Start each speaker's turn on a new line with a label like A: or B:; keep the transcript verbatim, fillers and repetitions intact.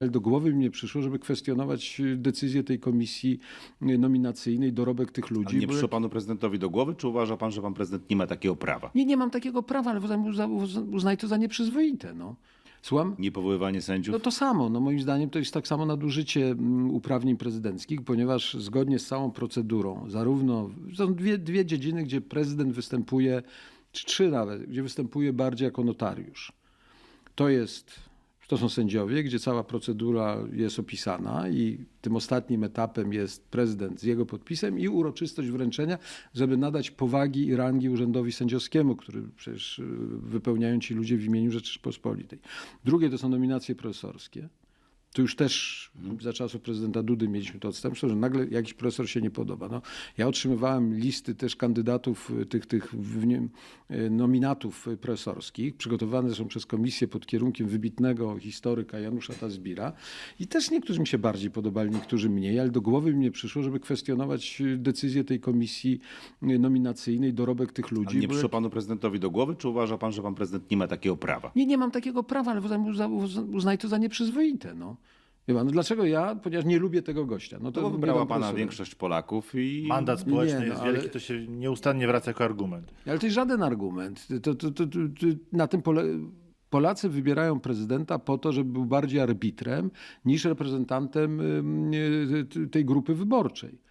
A: Ale do głowy mi nie przyszło, żeby kwestionować decyzję tej komisji nominacyjnej, dorobek tych ludzi.
B: Ale nie
A: bo
B: przyszło
A: jak-
B: panu prezydentowi do głowy, czy uważa pan, że pan prezydent nie ma takiego prawa?
A: Nie, nie mam takiego prawa, ale uzna- uzna- uznaj to za nieprzyzwoite. No. Słucham?
B: Niepowoływanie sędziów?
A: No to samo. No moim zdaniem to jest tak samo nadużycie mm, uprawnień prezydenckich, ponieważ zgodnie z całą procedurą, zarówno są dwie, dwie dziedziny, gdzie prezydent występuje, czy trzy nawet, gdzie występuje bardziej jako notariusz. To jest, to są sędziowie, gdzie cała procedura jest opisana i tym ostatnim etapem jest prezydent z jego podpisem i uroczystość wręczenia, żeby nadać powagi i rangi urzędowi sędziowskiemu, który przecież y, wypełniają ci ludzie w imieniu Rzeczypospolitej. Drugie to są nominacje profesorskie. Tu już też za czasów prezydenta Dudy mieliśmy to odstępstwo, że nagle jakiś profesor się nie podoba. No, ja otrzymywałem listy też kandydatów, y, tych, tych w nie, y, nominatów y, profesorskich, przygotowane zresztą przez komisję pod kierunkiem wybitnego historyka Janusza Tazbira. I też niektórzy mi się bardziej podobali, niektórzy mniej, ale do głowy mi nie przyszło, żeby kwestionować y, decyzję tej komisji y, nominacyjnej, dorobek tych ludzi.
B: Ale nie
A: bo
B: przyszło
A: jak-
B: panu prezydentowi do głowy, czy uważa pan, że pan prezydent nie ma takiego prawa?
A: Nie, nie mam takiego prawa, ale uzna- uzna- uznaj to za nieprzyzwoite. No. Wie pan, no dlaczego ja? Ponieważ nie lubię tego gościa. No to
B: To bo
A: nie
B: wybrała
A: dam
B: pana
A: profesora.
B: większość Polaków i
C: Mandat społeczny
A: Nie, no,
C: jest
A: ale-
C: wielki, to się nieustannie wraca jako argument.
A: Ale to jest żaden argument. To, to, to, to, to, na tym pole... Polacy wybierają prezydenta po to, żeby był bardziej arbitrem niż reprezentantem ym, y, tej grupy wyborczej.